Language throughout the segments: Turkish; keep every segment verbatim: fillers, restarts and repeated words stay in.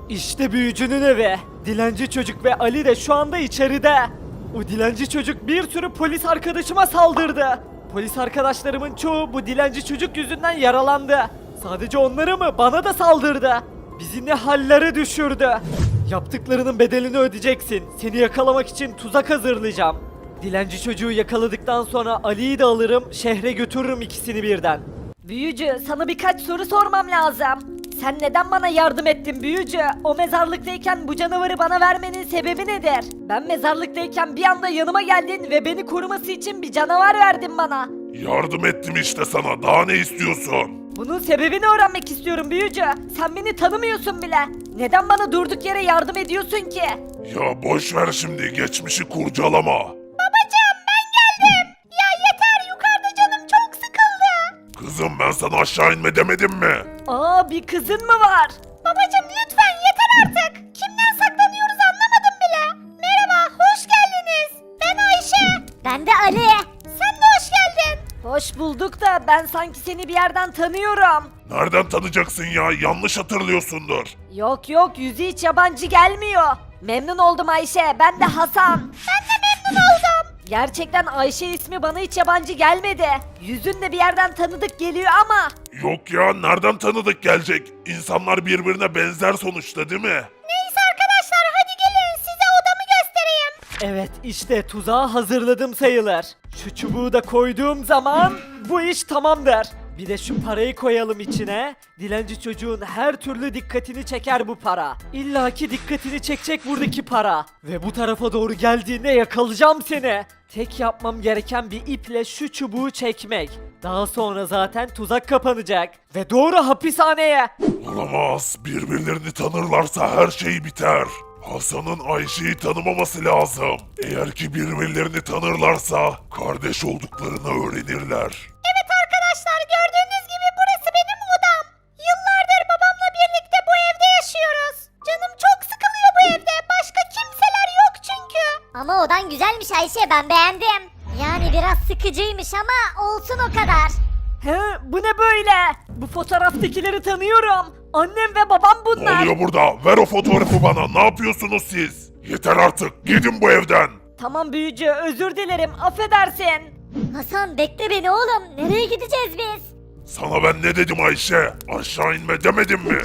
İşte büyücünün evi. Dilenci çocuk ve Ali de şu anda içeride. O dilenci çocuk bir sürü polis arkadaşıma saldırdı. Polis arkadaşlarımın çoğu bu dilenci çocuk yüzünden yaralandı. Sadece onları mı? Bana da saldırdı. Bizi ne hallere düşürdü. Yaptıklarının bedelini ödeyeceksin. Seni yakalamak için tuzak hazırlayacağım. Dilenci çocuğu yakaladıktan sonra Ali'yi de alırım, şehre götürürüm ikisini birden. Büyücü, sana birkaç soru sormam lazım. Sen neden bana yardım ettin büyücü? O mezarlıktayken bu canavarı bana vermenin sebebi nedir? Ben mezarlıktayken bir anda yanıma geldin ve beni koruması için bir canavar verdin bana. Yardım ettim işte sana. Daha ne istiyorsun? Bunun sebebini öğrenmek istiyorum büyücü. Sen beni tanımıyorsun bile. Neden bana durduk yere yardım ediyorsun ki? Ya boş ver şimdi. Geçmişi kurcalama. Babacığım ben geldim. Ya yeter, yukarıda canım çok sıkıldı. Kızım ben sana aşağı inme demedim mi? Aa, bir kızın mı var? Babacığım lütfen yeter artık. Kimden saklanıyoruz anlamadım bile. Merhaba, hoş geldiniz. Ben Ayşe. Ben de Ali. Sen de hoş geldin. Hoş bulduk da ben sanki seni bir yerden tanıyorum. Nereden tanıyacaksın ya? Yanlış hatırlıyorsundur. Yok yok, yüzü hiç yabancı gelmiyor. Memnun oldum Ayşe, ben de Hasan. Ben de memnun oldum. Gerçekten Ayşe ismi bana hiç yabancı gelmedi. Yüzün de bir yerden tanıdık geliyor ama. Yok ya nereden tanıdık gelecek? İnsanlar birbirine benzer sonuçta değil mi? Neyse arkadaşlar, hadi gelin size odamı göstereyim. Evet, işte tuzağı hazırladım sayılır. Şu çubuğu da koyduğum zaman bu iş tamamdır. Bir de şu parayı koyalım içine. Dilenci çocuğun her türlü dikkatini çeker bu para. İlla ki dikkatini çekecek buradaki para. Ve bu tarafa doğru geldiğinde yakalayacağım seni. Tek yapmam gereken bir iple şu çubuğu çekmek. Daha sonra zaten tuzak kapanacak. Ve doğru hapishaneye. Olamaz. Birbirlerini tanırlarsa her şey biter. Hasan'ın Ayşe'yi tanımaması lazım. Eğer ki birbirlerini tanırlarsa kardeş olduklarını öğrenirler. Evet arkadaşlar, gördüğünüz gibi burası benim odam. Yıllardır babamla birlikte bu evde yaşıyoruz. Canım çok sıkılıyor bu evde. Başka kimseler yok çünkü. Ama odan güzelmiş Ayşe, ben beğendim. Yani biraz sıkıcıymış ama olsun o kadar. He, bu ne böyle? Bu fotoğraftakileri tanıyorum. Annem ve babam Ne bunlar. oluyor burada? Ver o fotoğrafı bana. Ne yapıyorsunuz siz? Yeter artık. Gidin bu evden. Tamam büyücü, özür dilerim, affedersin. Hasan bekle beni oğlum. Nereye gideceğiz biz? Sana ben ne dedim Ayşe? Aşağı inme demedim mi?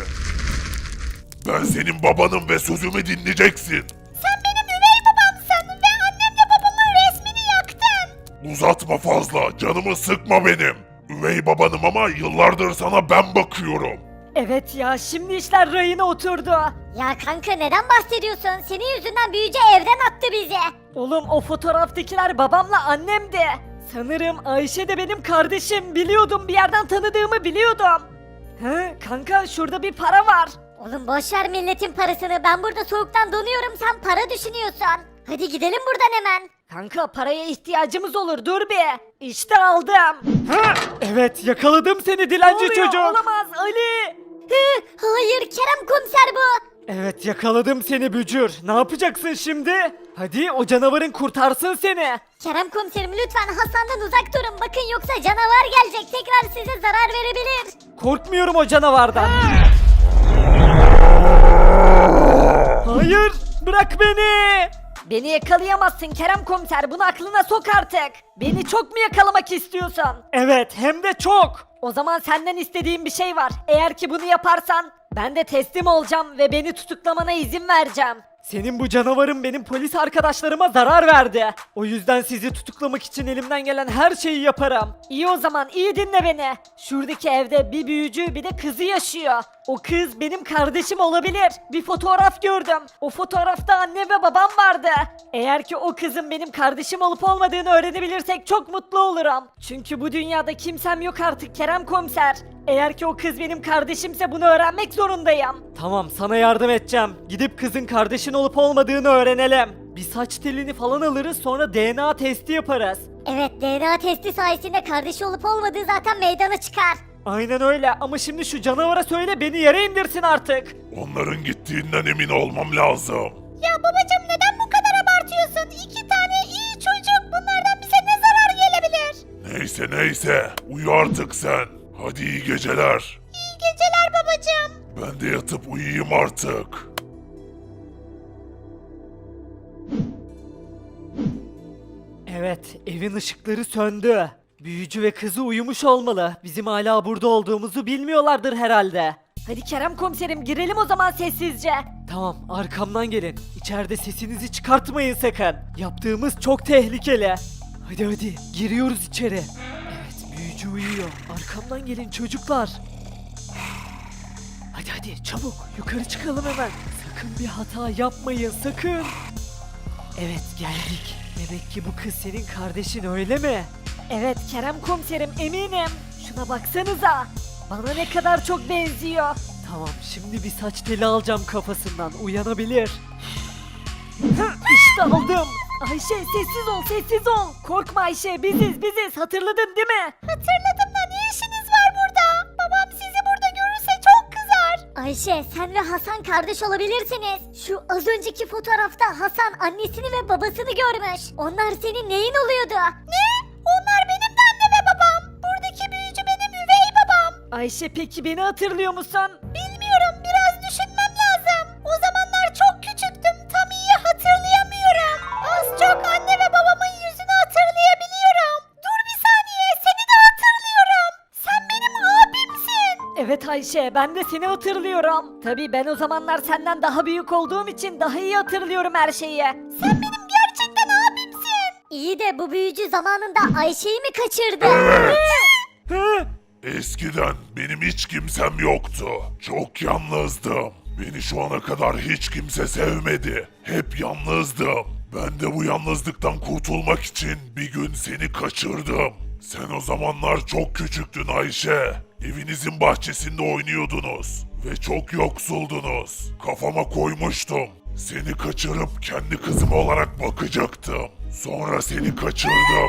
Ben senin babanım ve sözümü dinleyeceksin. Sen benim üvey babamsın ve annemle babamın resmini yaktın. Uzatma fazla. Canımı sıkma benim. Üvey babanım ama yıllardır sana ben bakıyorum. Evet ya, şimdi işler rayına oturdu. Ya kanka neden bahsediyorsun? Senin yüzünden büyücü evden attı bizi. Oğlum, o fotoğraftakiler babamla annemdi. Sanırım Ayşe de benim kardeşim, biliyordum, bir yerden tanıdığımı biliyordum. He kanka, şurada bir para var. Oğlum boş ver milletin parasını. Ben burada soğuktan donuyorum, sen para düşünüyorsun. Hadi gidelim buradan hemen. Kanka, paraya ihtiyacımız olur, dur bir. İşte aldım. Ha, evet, yakaladım seni dilenci çocuk. Olamaz Ali. Hı, hayır Kerem komiser bu. Evet, yakaladım seni bücür. Ne yapacaksın şimdi? Hadi o canavarın kurtarsın seni. Kerem komiserim lütfen Hasan'dan uzak durun. Bakın yoksa canavar gelecek. Tekrar size zarar verebilir. Korkmuyorum o canavardan. Hayır, bırak beni. Beni yakalayamazsın Kerem komiser, bunu aklına sok artık. Beni çok mu yakalamak istiyorsan? Evet, hem de çok. O zaman senden istediğim bir şey var. Eğer ki bunu yaparsan ben de teslim olacağım ve beni tutuklamana izin vereceğim. Senin bu canavarın benim polis arkadaşlarıma zarar verdi. O yüzden sizi tutuklamak için elimden gelen her şeyi yaparım. İyi, o zaman iyi dinle beni. Şuradaki evde bir büyücü bir de kızı yaşıyor. O kız benim kardeşim olabilir. Bir fotoğraf gördüm. O fotoğrafta anne ve babam vardı. Eğer ki o kızın benim kardeşim olup olmadığını öğrenebilirsek çok mutlu olurum. Çünkü bu dünyada kimsem yok artık Kerem komiser. Eğer ki o kız benim kardeşimse bunu öğrenmek zorundayım. Tamam, sana yardım edeceğim. Gidip kızın kardeşin olup olmadığını öğrenelim. Bir saç telini falan alırız, sonra D N A testi yaparız. Evet D N A testi sayesinde kardeşi olup olmadığı zaten meydana çıkar. Aynen öyle, ama şimdi şu canavara söyle beni yere indirsin artık. Onların gittiğinden emin olmam lazım. Ya babacım neden bu kadar abartıyorsun? İki tane iyi çocuk, bunlardan bize ne zarar gelebilir? Neyse neyse. Uyu artık sen. Hadi iyi geceler. İyi geceler babacım. Ben de yatıp uyuyayım artık. Evet, evin ışıkları söndü. Büyücü ve kızı uyumuş olmalı. Bizim hala burada olduğumuzu bilmiyorlardır herhalde. Hadi Kerem komiserim girelim o zaman sessizce. Tamam, arkamdan gelin. İçeride sesinizi çıkartmayın sakın. Yaptığımız çok tehlikeli. Hadi hadi, giriyoruz içeri. Evet, büyücü uyuyor. Arkamdan gelin çocuklar. Hadi hadi, çabuk yukarı çıkalım hemen. Sakın bir hata yapmayın, sakın. Evet, geldik. Demek ki bu kız senin kardeşin öyle mi? Evet Kerem komiserim eminim. Şuna baksanıza. Bana ne kadar çok benziyor. Tamam şimdi bir saç teli alacağım kafasından uyanabilir. Hı, İşte aldım. Ayşe sessiz ol sessiz ol. Korkma Ayşe biziz biziz hatırladın değil mi? Hatırladım da ne işiniz var burada? Babam sizi burada görürse çok kızar. Ayşe sen ve Hasan kardeş olabilirsiniz. Şu az önceki fotoğrafta Hasan annesini ve babasını görmüş. Onlar senin neyin oluyordu? Ne? Onlar benim de anne ve babam. Buradaki büyücü benim üvey babam. Ayşe peki beni hatırlıyor musun? Bilmiyorum biraz düşünmem lazım. O zamanlar çok küçüktüm tam iyi hatırlayamıyorum. Az çok anne ve babamın yüzünü hatırlayabiliyorum. Dur bir saniye seni de hatırlıyorum. Sen benim abimsin. Evet Ayşe ben de seni hatırlıyorum. Tabii ben o zamanlar senden daha büyük olduğum için daha iyi hatırlıyorum her şeyi. Sen benim gerçekten abimsin. İyi de bu büyücü zamanında Ayşe'yi mi kaçırdı? Hı? Eskiden benim hiç kimsem yoktu. Çok yalnızdım. Beni şu ana kadar hiç kimse sevmedi. Hep yalnızdım. Ben de bu yalnızlıktan kurtulmak için bir gün seni kaçırdım. Sen o zamanlar çok küçüktün Ayşe. Evinizin bahçesinde oynuyordunuz. Ve çok yoksuldunuz. Kafama koymuştum. Seni kaçırıp kendi kızım olarak bakacaktım. Sonra seni kaçırdım.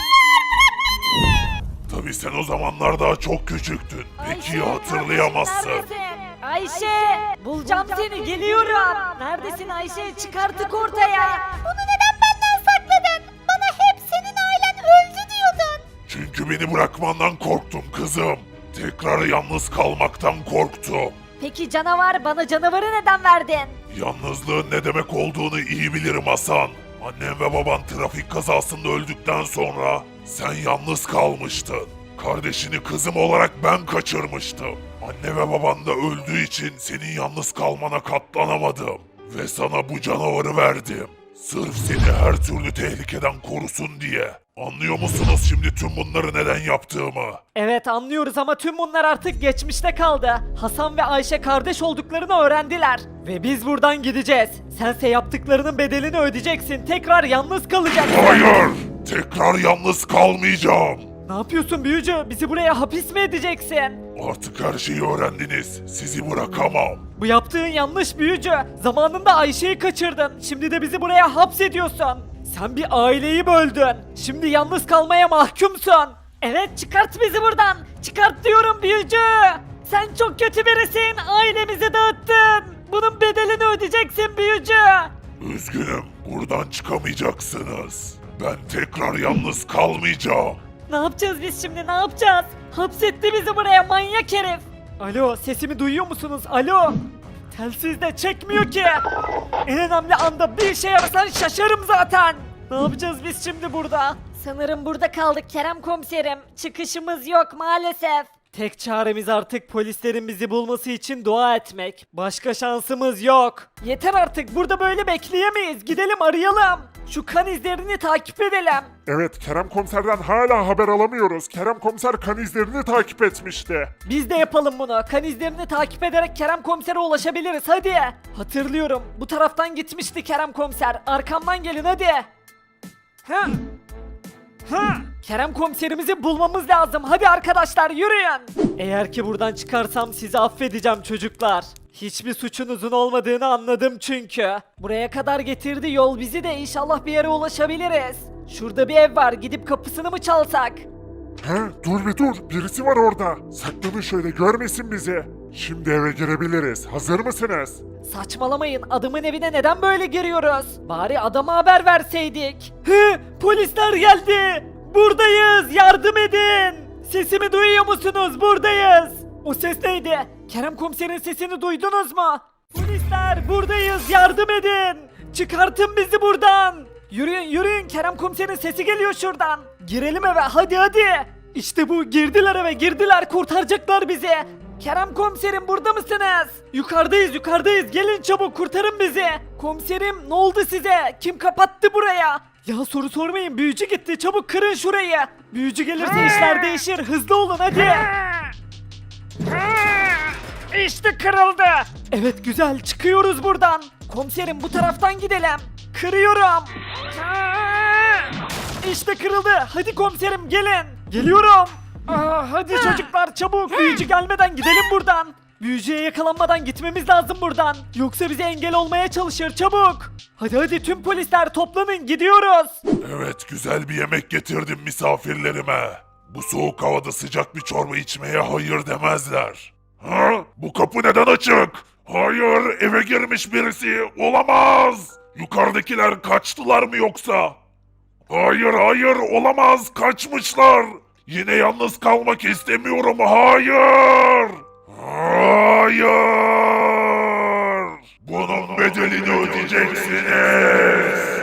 Tabii sen o zamanlar daha çok küçüktün. Peki ya hatırlayamazsın. Neredesin? Ayşe! Bulacağım seni geliyorum. Neredesin Ayşe? Çık artık ortaya. Bunu neden benden sakladın? Bana hep senin ailen öldü diyordun. Çünkü beni bırakmandan korktum kızım. Tekrar yalnız kalmaktan korktum. Peki canavar bana canavarı neden verdin? Yalnızlığın ne demek olduğunu iyi bilirim Hasan. Annem ve baban trafik kazasında öldükten sonra sen yalnız kalmıştın. Kardeşini kızım olarak ben kaçırmıştım. Anne ve baban da öldüğü için senin yalnız kalmana katlanamadım. Ve sana bu canavarı verdim. Sırf seni her türlü tehlikeden korusun diye. Anlıyor musunuz şimdi tüm bunları neden yaptığımı? Evet anlıyoruz ama tüm bunlar artık geçmişte kaldı. Hasan ve Ayşe kardeş olduklarını öğrendiler. Ve biz buradan gideceğiz. Sense yaptıklarının bedelini ödeyeceksin. Tekrar yalnız kalacaksın. Hayır! Tekrar yalnız kalmayacağım. Ne yapıyorsun büyücü? Bizi buraya hapis mi edeceksin? Artık her şeyi öğrendiniz. Sizi bırakamam. Bu yaptığın yanlış büyücü. Zamanında Ayşe'yi kaçırdın. Şimdi de bizi buraya hapsediyorsun. Sen bir aileyi böldün. Şimdi yalnız kalmaya mahkumsun. Evet çıkart bizi buradan. Çıkart diyorum büyücü. Sen çok kötü birisin. Ailemizi dağıttın. Bunun bedelini ödeyeceksin büyücü. Üzgünüm. Buradan çıkamayacaksınız. Ben tekrar yalnız kalmayacağım. Ne yapacağız biz şimdi ne yapacağız? Hapsetti bizi buraya manyak herif. Alo sesimi duyuyor musunuz? Alo. Telsiz de çekmiyor ki. En önemli anda bir şey yapsan şaşarım zaten. Ne yapacağız biz şimdi burada? Sanırım burada kaldık Kerem komiserim. Çıkışımız yok maalesef. Tek çaremiz artık polislerin bizi bulması için dua etmek. Başka şansımız yok. Yeter artık burada böyle bekleyemeyiz. Gidelim arayalım. Şu kan izlerini takip edelim. Evet, Kerem Komiser'den hala haber alamıyoruz. Kerem Komiser kan izlerini takip etmişti. Biz de yapalım bunu. Kan izlerini takip ederek Kerem Komiser'e ulaşabiliriz hadi. Hatırlıyorum. Bu taraftan gitmişti Kerem Komiser. Arkamdan gelin hadi. Hı. Hı. Kerem komiserimizi bulmamız lazım. Hadi arkadaşlar yürüyün. Eğer ki buradan çıkarsam sizi affedeceğim çocuklar. Hiçbir suçunuzun olmadığını anladım çünkü. Buraya kadar getirdi yol bizi de inşallah bir yere ulaşabiliriz. Şurada bir ev var. Gidip kapısını mı çalsak? He, dur bir dur, birisi var orada. Saklanın şöyle, görmesin bizi. Şimdi eve girebiliriz. Hazır mısınız? Saçmalamayın. Adamın evine neden böyle giriyoruz? Bari adama haber verseydik. Hı, polisler geldi. Buradayız. Yardım edin. Sesimi duyuyor musunuz? Buradayız. O ses neydi? Kerem komiserin sesini duydunuz mu? Polisler buradayız. Yardım edin. Çıkartın bizi buradan. Yürüyün yürüyün, Kerem komiserin sesi geliyor şuradan. Girelim eve, hadi hadi. İşte bu, girdiler eve, girdiler, kurtaracaklar bizi. Kerem komiserim, burada mısınız? Yukarıdayız yukarıdayız, gelin çabuk, kurtarın bizi. Komiserim, ne oldu size? Kim kapattı buraya? Ya soru sormayın, büyücü gitti, çabuk kırın şurayı. Büyücü gelirse işler değişir, hızlı olun hadi. İşte kırıldı. Evet güzel, çıkıyoruz buradan. Komiserim, bu taraftan gidelim. Kırıyorum. İşte kırıldı. Hadi komiserim, gelin. Geliyorum. Aa, hadi çocuklar çabuk, büyücü gelmeden gidelim buradan. Büyücüye yakalanmadan gitmemiz lazım buradan. Yoksa bize engel olmaya çalışır, çabuk. Hadi hadi tüm polisler toplanın, gidiyoruz. Evet, güzel bir yemek getirdim misafirlerime. Bu soğuk havada sıcak bir çorba içmeye hayır demezler. Ha? Bu kapı neden açık? Hayır, eve girmiş birisi. Olamaz. Yukarıdakiler kaçtılar mı yoksa? Hayır, hayır, olamaz. Kaçmışlar. Yine yalnız kalmak istemiyorum. Hayır. Hayır. Bunun bedelini ödeyeceksiniz.